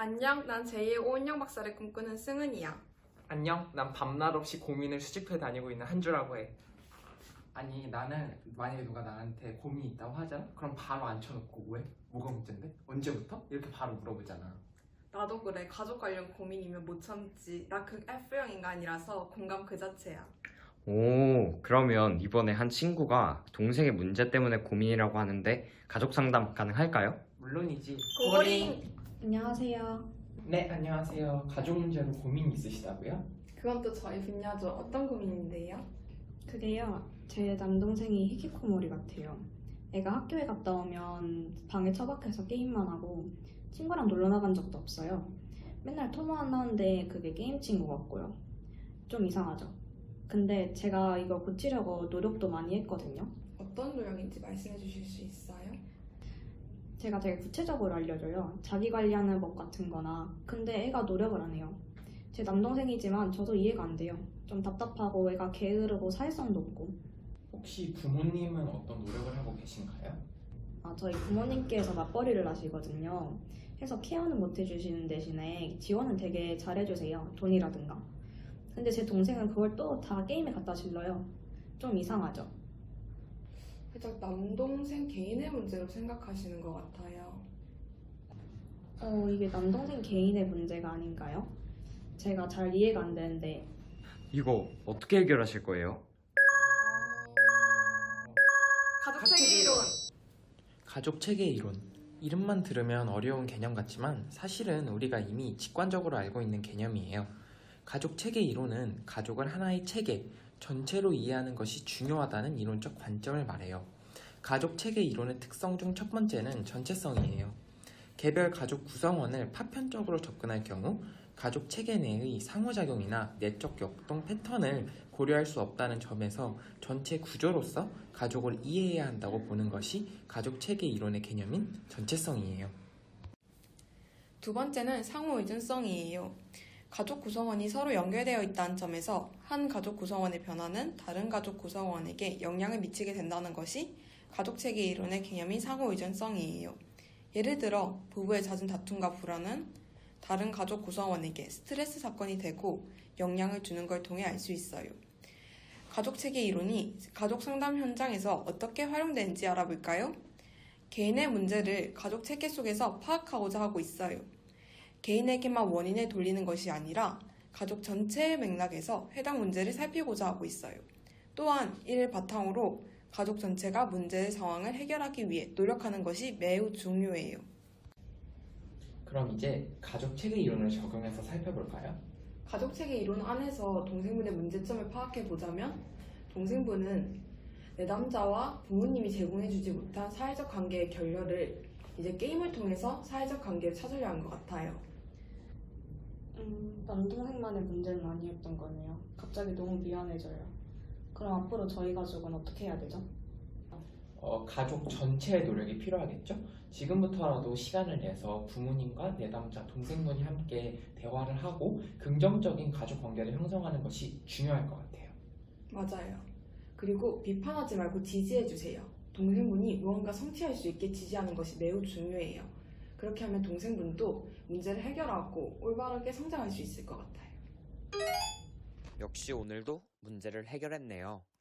안녕, 난 제2의 오은영 박사를 꿈꾸는 승은이야. 안녕, 난 밤낮 없이 고민을 수집해 다니고 있는 한주라고 해. 아니, 나는 만약에 누가 나한테 고민이 있다고 하잖아? 그럼 바로 앉혀놓고 왜? 뭐가 문제인데? 언제부터? 이렇게 바로 물어보잖아. 나도 그래. 가족 관련 고민이면 못 참지. 나 극 F형 인간이라서 공감 그 자체야. 오, 그러면 이번에 한 친구가 동생의 문제 때문에 고민이라고 하는데 가족 상담 가능할까요? 물론이지. 고고링! 안녕하세요. 네, 안녕하세요. 가족 문제로 고민 있으시다고요? 그건 또 저희 분야죠. 어떤 고민인데요? 그게요, 제 남동생이 히키코모리 같아요. 애가 학교에 갔다 오면 방에 처박혀서 게임만 하고 친구랑 놀러 나간 적도 없어요. 맨날 통화만 하는데 그게 게임 친구 같고요. 좀 이상하죠? 근데 제가 이거 고치려고 노력도 많이 했거든요. 어떤 노력인지 말씀해 주실 수 있어요? 제가 되게 구체적으로 알려줘요. 자기 관리하는 법 같은 거나. 근데 애가 노력을 안 해요. 제 남동생이지만 저도 이해가 안 돼요. 좀 답답하고 애가 게으르고 사회성도 없고. 혹시 부모님은 어떤 노력을 하고 계신가요? 저희 부모님께서 맞벌이를 하시거든요. 해서 케어는 못 해주시는 대신에 지원은 되게 잘해주세요. 돈이라든가. 근데 제 동생은 그걸 또 다 게임에 갖다 실러요. 좀 이상하죠? 살짝 남동생 개인의 문제로 생각하시는 것 같아요. 이게 남동생 개인의 문제가 아닌가요? 제가 잘 이해가 안 되는데. 이거 어떻게 해결하실 거예요? 가족 체계 이론! 가족 체계 이론. 이름만 들으면 어려운 개념 같지만 사실은 우리가 이미 직관적으로 알고 있는 개념이에요. 가족 체계 이론은 가족을 하나의 체계, 전체로 이해하는 것이 중요하다는 이론적 관점을 말해요. 가족 체계 이론의 특성 중 첫 번째는 전체성이에요. 개별 가족 구성원을 파편적으로 접근할 경우 가족 체계 내의 상호작용이나 내적 역동 패턴을 고려할 수 없다는 점에서 전체 구조로서 가족을 이해해야 한다고 보는 것이 가족 체계 이론의 개념인 전체성이에요. 두 번째는 상호 의존성이에요. 가족 구성원이 서로 연결되어 있다는 점에서 한 가족 구성원의 변화는 다른 가족 구성원에게 영향을 미치게 된다는 것이 가족 체계 이론의 개념인 상호 의존성이에요. 예를 들어 부부의 잦은 다툼과 불화는 다른 가족 구성원에게 스트레스 사건이 되고 영향을 주는 걸 통해 알 수 있어요. 가족 체계 이론이 가족 상담 현장에서 어떻게 활용되는지 알아볼까요? 개인의 문제를 가족 체계 속에서 파악하고자 하고 있어요. 개인에게만 원인을 돌리는 것이 아니라 가족 전체의 맥락에서 해당 문제를 살피고자 하고 있어요. 또한 이를 바탕으로 가족 전체가 문제의 상황을 해결하기 위해 노력하는 것이 매우 중요해요. 그럼 이제 가족 체계 이론을 적용해서 살펴볼까요? 가족 체계 이론 안에서 동생분의 문제점을 파악해 보자면 동생분은 내담자와 부모님이 제공해주지 못한 사회적 관계의 결렬을 이제 게임을 통해서 사회적 관계를 찾으려 한 것 같아요. 남동생만의 문제는 아니었던 거네요. 갑자기 너무 미안해져요. 그럼 앞으로 저희 가족은 어떻게 해야 되죠? 가족 전체의 노력이 필요하겠죠? 지금부터라도 시간을 내서 부모님과 내담자, 동생분이 함께 대화를 하고 긍정적인 가족 관계를 형성하는 것이 중요할 것 같아요. 맞아요. 그리고 비판하지 말고 지지해주세요. 동생분이 무언가 성취할 수 있게 지지하는 것이 매우 중요해요. 그렇게 하면 동생분도 문제를 해결하고 올바르게 성장할 수 있을 것 같아요. 역시 오늘도 문제를 해결했네요.